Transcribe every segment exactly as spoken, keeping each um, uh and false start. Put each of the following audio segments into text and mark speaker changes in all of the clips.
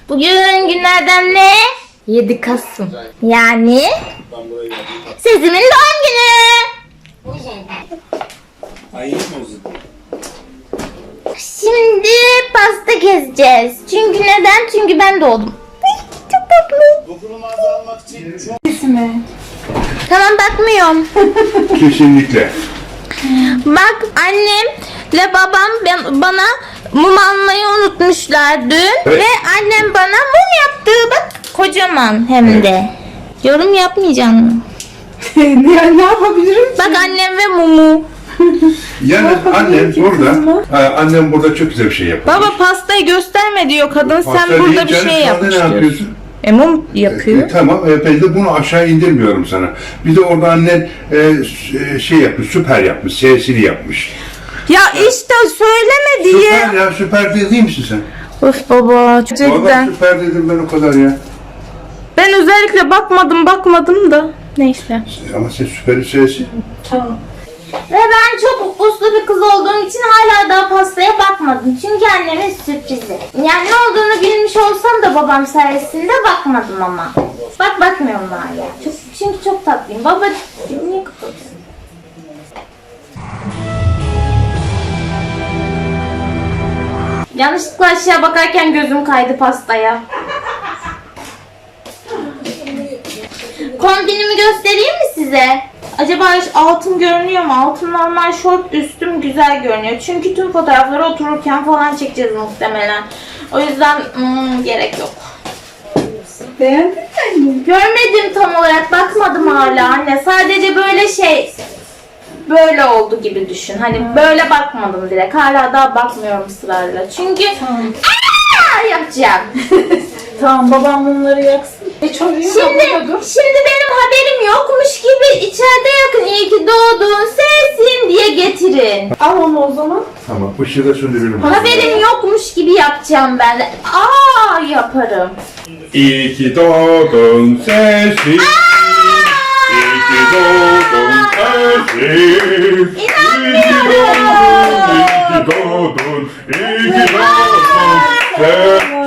Speaker 1: Bugün günlerden ne? yedi Kasım. Yani Sezim'in doğum günü. Şimdi pasta keseceğiz. Çünkü neden? Çünkü ben doğdum. Çok tatlı.
Speaker 2: Dokunulmazlığı almak için çok...
Speaker 3: İsmi.
Speaker 1: Tamam, bakmıyorum.
Speaker 4: Kesinlikle.
Speaker 1: Bak, annemle babam ben, bana mum almayı unutmuşlar dün.
Speaker 4: Evet.
Speaker 1: Ve annem bana mum yaptı. Bak, kocaman hem de. Yorum yapmayacağım mı?
Speaker 3: ne, ne yapabilirim?
Speaker 1: Bak, annem ve mumu.
Speaker 4: Yani annem burada, ha, annem burada çok güzel bir şey yapıyor.
Speaker 1: Baba, pastayı gösterme diyor kadın.
Speaker 4: Pasta
Speaker 1: Sen burada
Speaker 4: değil
Speaker 1: bir
Speaker 4: canım,
Speaker 1: şey
Speaker 4: şu anda
Speaker 1: yapmış
Speaker 4: ne
Speaker 1: diyorsun.
Speaker 4: yapıyorsun?
Speaker 1: E, mum yapıyor.
Speaker 4: E, tamam, e, ben de bunu aşağı indirmiyorum sana. Bir de orada annen e, s- e, şey yapmış, süper yapmış, sesini yapmış.
Speaker 1: Ya işte söyleme diye.
Speaker 4: Süper ya, süper değil misin sen?
Speaker 1: Of baba,
Speaker 4: Vallahi
Speaker 1: gerçekten.
Speaker 4: süper dedim ben o kadar ya.
Speaker 1: Ben özellikle bakmadım bakmadım da. Neyse.
Speaker 4: Ama sen süperin sesi.
Speaker 3: Tamam.
Speaker 1: Ve ben çok uslu bir kız olduğum için hala daha pastaya bakmadım. Çünkü annemin sürprizi. Yani ne olduğunu bilmiş olsam da babam sayesinde bakmadım ama. Bak, bakmıyorum hala. Çok, çünkü çok tatlıyım. Baba, niye kapatıyorsun? Yanlışlıkla aşağı bakarken gözüm kaydı pastaya. Kombinimi göstereyim mi size? Acaba altın görünüyor mu? Altın normal, şort üstüm güzel görünüyor. Çünkü tüm fotoğrafları otururken falan çekeceğiz muhtemelen. O yüzden hmm, gerek yok.
Speaker 3: Beğendin mi?
Speaker 1: Görmedim tam olarak, bakmadım hala anne. Sadece böyle şey, böyle oldu gibi düşün. Hani böyle bakmadım direkt. Hala daha bakmıyorum ısrarla. Çünkü
Speaker 3: Tamam.
Speaker 1: Aa, yapacağım.
Speaker 3: Tamam, babam mumları yaksın. E çok iyi
Speaker 1: Şimdi, şimdi benim haberim yokmuş gibi içeride yakın iyi ki doğdun sensin diye getirin.
Speaker 3: Al onu o zaman.
Speaker 4: Tamam, ışığı da söndürelim.
Speaker 1: Haberim yokmuş gibi yapacağım ben de. Aa, yaparım.
Speaker 4: İyi ki doğdun sesi. İyi ki doğdun sesi.
Speaker 1: İnanmıyorum.
Speaker 4: İyi ki doğdun, iyi ki doğdun sesi.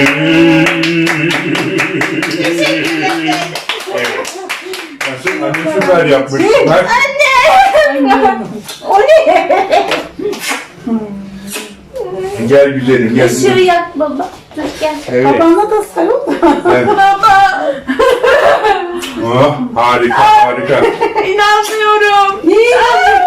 Speaker 1: Teşekkür ederim.
Speaker 4: Evet. Nasıl? Anne süper yapmış. Bak.
Speaker 1: Anne. O ne?
Speaker 4: Gel güzelim, gel
Speaker 1: Işığı
Speaker 4: güzelim.
Speaker 1: yak baba. Dur gel.
Speaker 4: Evet.
Speaker 3: Babamla da sarıl da.
Speaker 4: Evet.
Speaker 1: Baba.
Speaker 4: Oh, harika, harika.
Speaker 1: İnanmıyorum.
Speaker 3: Niye?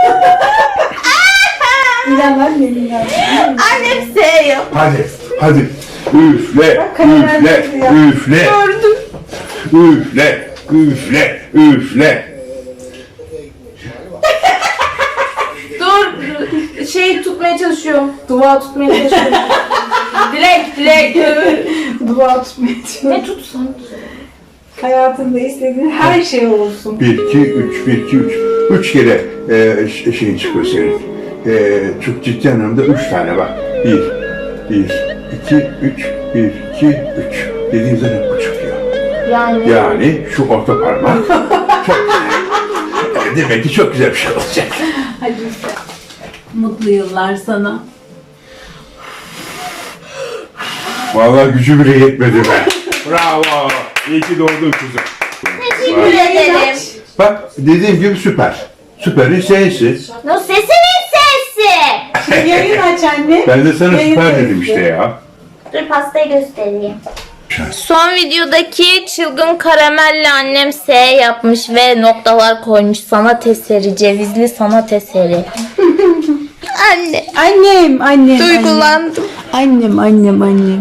Speaker 3: İlan anne, İlan.
Speaker 1: Annem seviyor.
Speaker 4: Hadi, hadi. Üfle, üfle, üfle.
Speaker 1: Gördüm.
Speaker 4: Üfle, üfle, üfle.
Speaker 1: Dur. Şey tutmaya çalışıyorum. Dua tutmaya çalışıyorum. Dilek, dilek.
Speaker 3: Dua tutmaya çalış.
Speaker 1: Ne tutsan?
Speaker 3: Hayatında istediğin her şey olsun.
Speaker 4: Bir, iki, üç, bir, iki, üç. Üç kere e, ş- şeyin çıkıyor senin. E, çok ciddi anlamda üç tane bak. Bir, bir, iki, üç, bir, iki, üç. Dediğim zaman bu çıkıyor.
Speaker 1: Yani.
Speaker 4: Yani şu orta parmak çok güzel. E, demek ki çok güzel bir şey olacak.
Speaker 3: Hadi işte. Mutlu yıllar sana.
Speaker 4: Vallahi gücü bile yetmedi be. Bravo. İyi ki doğdun kızım.
Speaker 1: Teşekkür ederim.
Speaker 4: Bak dediğim gibi süper. Süperin sesi.
Speaker 1: No, sesinin sesi.
Speaker 3: Yayın aç anne.
Speaker 4: Ben de sana
Speaker 3: Yayın
Speaker 4: süper
Speaker 3: aç.
Speaker 4: dedim işte ya.
Speaker 1: Dur, pastayı göstereyim. Son videodaki çılgın karamelle annem S yapmış ve noktalar koymuş. Sanat eseri, cevizli sanat eseri. Anne,
Speaker 3: Annem, annem.
Speaker 1: duygulandım.
Speaker 3: Annem, annem, annem.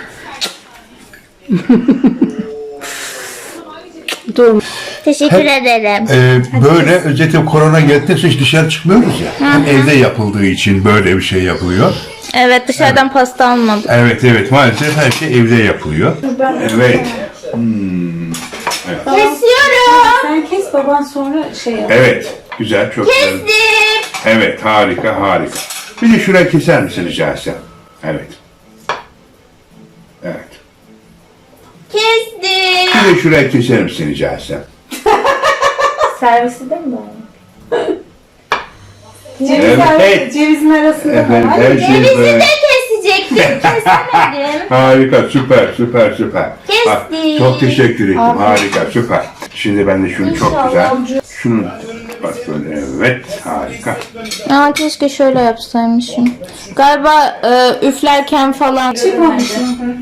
Speaker 3: Dur.
Speaker 1: Teşekkür ederim.
Speaker 4: Ee, böyle özellikle korona geldiyse hiç dışarı çıkmıyoruz ya. Hem evde yapıldığı için böyle bir şey yapılıyor.
Speaker 1: Evet, dışarıdan pasta almadım.
Speaker 4: Evet evet maalesef her şey evde yapılıyor. Evet. Hmm.
Speaker 1: Kesiyorum.
Speaker 3: Sen kes, baban sonra şey yap.
Speaker 4: Evet. Güzel çok güzel.
Speaker 1: Kestim.
Speaker 4: Evet harika harika. Bir de şurayı keser misin rica etsem? Evet. Evet.
Speaker 1: Kestim.
Speaker 4: Bir de şurayı keser misin rica etsem?
Speaker 1: Servisi de mi var?
Speaker 3: Ceviz
Speaker 4: Evet.
Speaker 3: cevizin arasında
Speaker 4: Efendim
Speaker 3: var.
Speaker 4: her şey
Speaker 1: Cevizi
Speaker 4: böyle.
Speaker 1: de kesecek kestim, kesemedim.
Speaker 4: Harika, süper, süper, süper. Bak,
Speaker 1: Kestik.
Speaker 4: çok teşekkür ederim.
Speaker 1: Abi.
Speaker 4: Harika, süper. Şimdi ben de şunu çok
Speaker 1: İnşallah.
Speaker 4: güzel. Şunu bak böyle, evet, harika.
Speaker 1: Aa, keşke şöyle yapsaymışım. Galiba e, üflerken falan.
Speaker 3: Çıkmamış.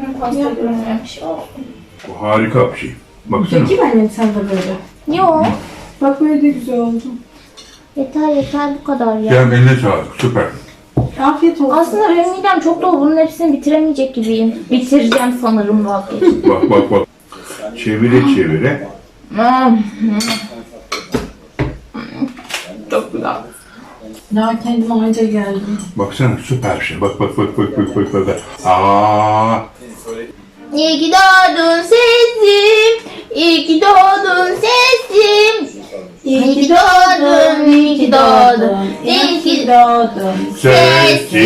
Speaker 4: Bu harika bir şey. Baksana.
Speaker 3: Peki annem sen de böyle.
Speaker 1: Yok.
Speaker 3: Bak böyle de güzel oldu.
Speaker 1: Yeter yeter bu kadar ya.
Speaker 4: Gel eline sağlık, süper.
Speaker 3: Afiyet olsun.
Speaker 1: Aslında benim midem çok dolu. Bunun hepsini bitiremeyecek gibiyim. Bitireceğim sanırım vazgeçtim.
Speaker 4: Bak bak bak. Çevire çevire.
Speaker 1: Çok güzel.
Speaker 3: Daha kendime anca geldim.
Speaker 4: Baksana süper bir şey. Bak bak bak bak bak bak bak. Aa.
Speaker 1: İyi ki doğdun sesim. İyi ki doğdun sesim. İyi ki doğdun, iyi ki doğdun, iyi ki
Speaker 3: doğdun.
Speaker 4: Sesim.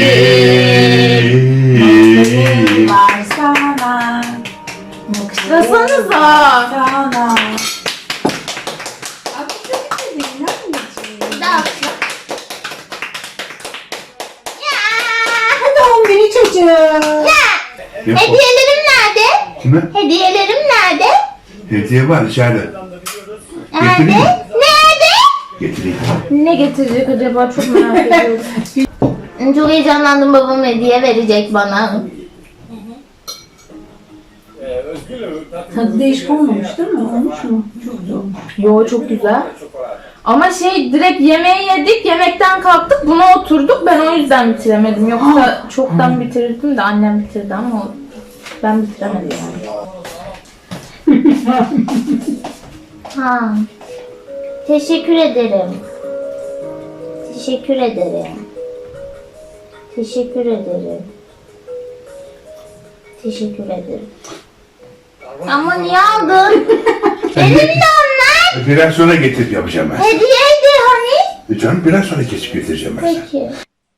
Speaker 3: Var sana.
Speaker 1: Kıslasanıza.
Speaker 3: Sana. Abi sen de dinler misin? Doğum günü çocuğum.
Speaker 1: Hediyelerim nerede?
Speaker 4: Kime?
Speaker 1: Hediyelerim nerede?
Speaker 4: Hediye var içeride.
Speaker 1: Nerede?
Speaker 4: Getireyim mi?
Speaker 1: Nerede?
Speaker 4: Getireyim.
Speaker 1: Ne getirecek acaba, çok merak ediyorum. Çok heyecanlandım, babam hediye verecek bana.
Speaker 3: Tadı değişik olmamış değil mi? Olmuş mu? Çok güzel olmuş.
Speaker 1: Yo, çok güzel. Ama şey, direkt yemeği yedik, yemekten kalktık, buna oturduk, ben o yüzden bitiremedim. Yoksa çoktan bitirirdim de annem bitirdi ama o- ben bitiremedim yani. Ha. Teşekkür ederim. Teşekkür ederim. Teşekkür ederim. Teşekkür ederim. Ama niye aldın? Benim de onlar.
Speaker 4: Biraz sonra getir yapacağım ben.
Speaker 1: Hediyeydi hani.
Speaker 4: E canım biraz sonra kesip getireceğim ben sana.
Speaker 1: Peki.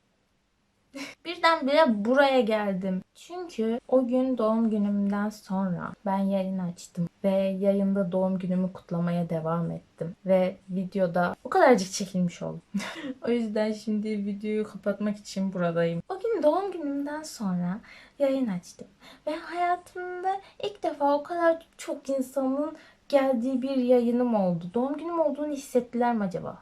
Speaker 1: Birdenbire buraya geldim. Çünkü o gün doğum günümden sonra ben yayın açtım. Ve yayında doğum günümü kutlamaya devam ettim. Ve videoda o kadarcık çekilmiş oldum. O yüzden şimdi videoyu kapatmak için buradayım. O gün doğum günümden sonra yayın açtım. Ve hayatımda ilk defa o kadar çok insanın geldiği bir yayınım oldu. Doğum günüm olduğunu hissettiler mi acaba?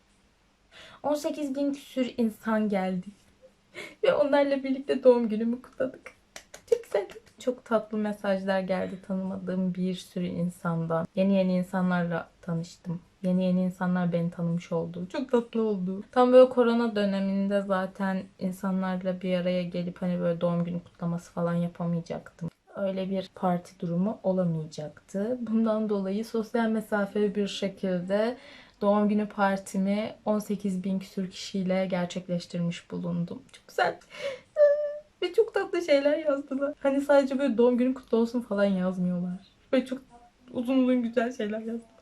Speaker 1: on sekiz bin küsür insan geldi. Ve onlarla birlikte doğum günümü kutladık. Çok güzel. Çok tatlı mesajlar geldi tanımadığım bir sürü insandan. Yeni yeni insanlarla tanıştım. Yeni yeni insanlar beni tanımış oldu. Çok tatlı oldu. Tam böyle korona döneminde zaten insanlarla bir araya gelip hani böyle doğum günü kutlaması falan yapamayacaktım. Öyle bir parti durumu olamayacaktı. Bundan dolayı sosyal mesafeli bir şekilde doğum günü partimi on sekiz bin küsur kişiyle gerçekleştirmiş bulundum. Çok güzel. Ve çok tatlı şeyler yazdılar. Hani sadece böyle doğum günün kutlu olsun falan yazmıyorlar. Böyle çok uzun uzun güzel şeyler yazdılar.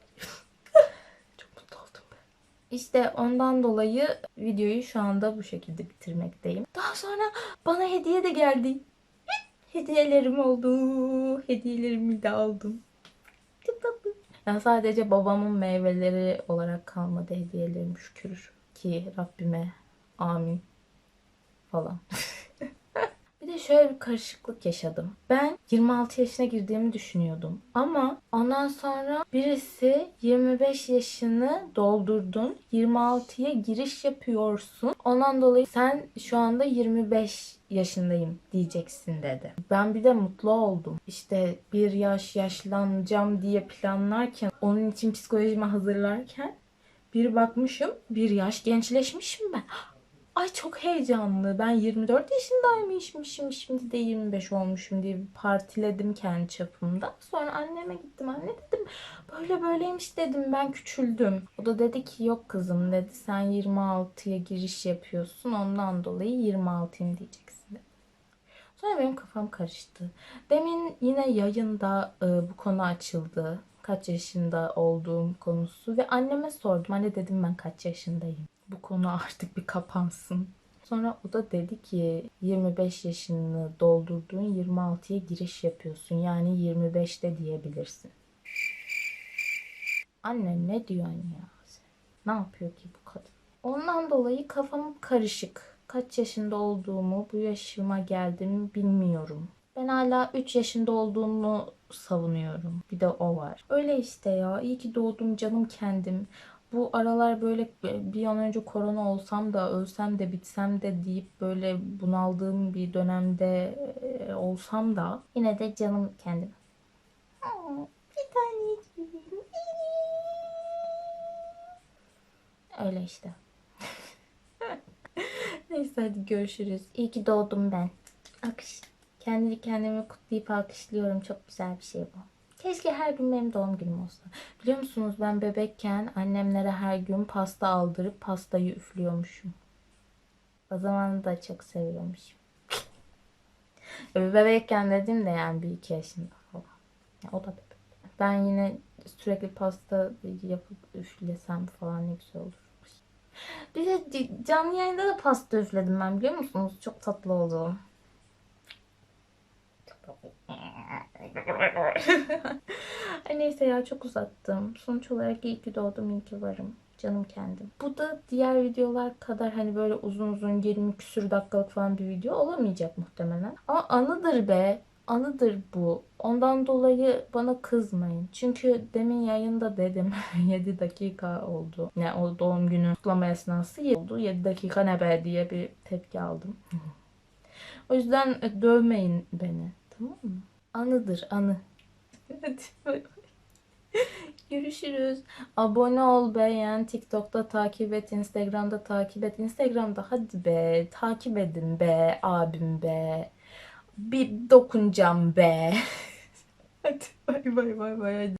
Speaker 1: Çok mutlu oldum ben. İşte ondan dolayı videoyu şu anda bu şekilde bitirmekteyim. Daha sonra bana hediye de geldi. Hediyelerim oldu. Hediyelerimi de aldım. Çok tatlı. Yani sadece babamın meyveleri olarak kalmadı hediyelerim, şükür ki Rabbime, amin falan. Bir de şöyle bir karışıklık yaşadım. Ben yirmi altı yaşına girdiğimi düşünüyordum. Ama ondan sonra birisi yirmi beş yaşını doldurdun, yirmi altıya giriş yapıyorsun. Ondan dolayı sen şu anda yirmi beş yaşındayım diyeceksin dedi. Ben bir de mutlu oldum. İşte bir yaş yaşlanacağım diye planlarken, onun için psikolojimi hazırlarken bir bakmışım bir yaş gençleşmişim ben. Ay çok heyecanlı. Ben yirmi dört yaşındaymışım. Şimdi de yirmi beş olmuşum diye bir partiledim kendi çapımda. Sonra anneme gittim. Anne dedim böyle böyleymiş dedim. Ben küçüldüm. O da dedi ki yok kızım dedi. Sen yirmi altıya giriş yapıyorsun. Ondan dolayı yirmi altıyım diyeceksin dedi. Sonra benim kafam karıştı. Demin yine yayında e, bu konu açıldı. Kaç yaşında olduğum konusu. Ve anneme sordum. Anne dedim ben kaç yaşındayım. Bu konu artık bir kapansın. Sonra o da dedi ki yirmi beş yaşını doldurduğun yirmi altıya giriş yapıyorsun. Yani yirmi beşte diyebilirsin. Anne ne diyorsun ya? Ne yapıyor ki bu kadın? Ondan dolayı kafam karışık. kaç yaşında olduğumu, bu yaşıma geldim bilmiyorum. Ben hala üç yaşında olduğumu savunuyorum. Bir de o var. Öyle işte ya. İyi ki doğdum canım kendim. Bu aralar böyle bir an önce korona olsam da ölsem de bitsem de deyip böyle bunaldığım bir dönemde e, olsam da yine de canım kendim. Bir tanecik. Öyle işte. Neyse hadi görüşürüz. İyi ki doğdum ben. Akış. Kendi kendimi kutlayıp alkışlıyorum. Çok güzel bir şey bu. Keşke her gün benim doğum günüm olsa. Biliyor musunuz ben bebekken annemlere her gün pasta aldırıp pastayı üflüyormuşum. O zaman da çok seviyormuşum. Bebekken dedim de yani bir iki yaşında falan. Ya o da bebek. Ben yine sürekli pasta yapıp üflesem falan ne güzel olur. Bir de canlı yayında da pasta üfledim ben biliyor musunuz? Çok tatlı oldu. Ay neyse ya çok uzattım. Sonuç olarak iyi ki doğdum, iyi ki varım. Canım kendim. Bu da diğer videolar kadar hani böyle uzun uzun yirmi küsür dakikalık falan bir video olamayacak muhtemelen. Ama anıdır be. Anıdır bu. Ondan dolayı bana kızmayın. Çünkü demin yayında dedim yedi dakika oldu. Yani o doğum günü kutlama esnası oldu. yedi dakika ne be diye bir tepki aldım. O yüzden dövmeyin beni. Tamam mı? Anıdır anı. Hadi bay bay. Görüşürüz. Abone ol, beğen, TikTok'ta takip et, Instagram'da takip et. Instagram'da hadi be, takip edin be, abim be. Bir dokunacağım be. Hadi bay bay bay bay.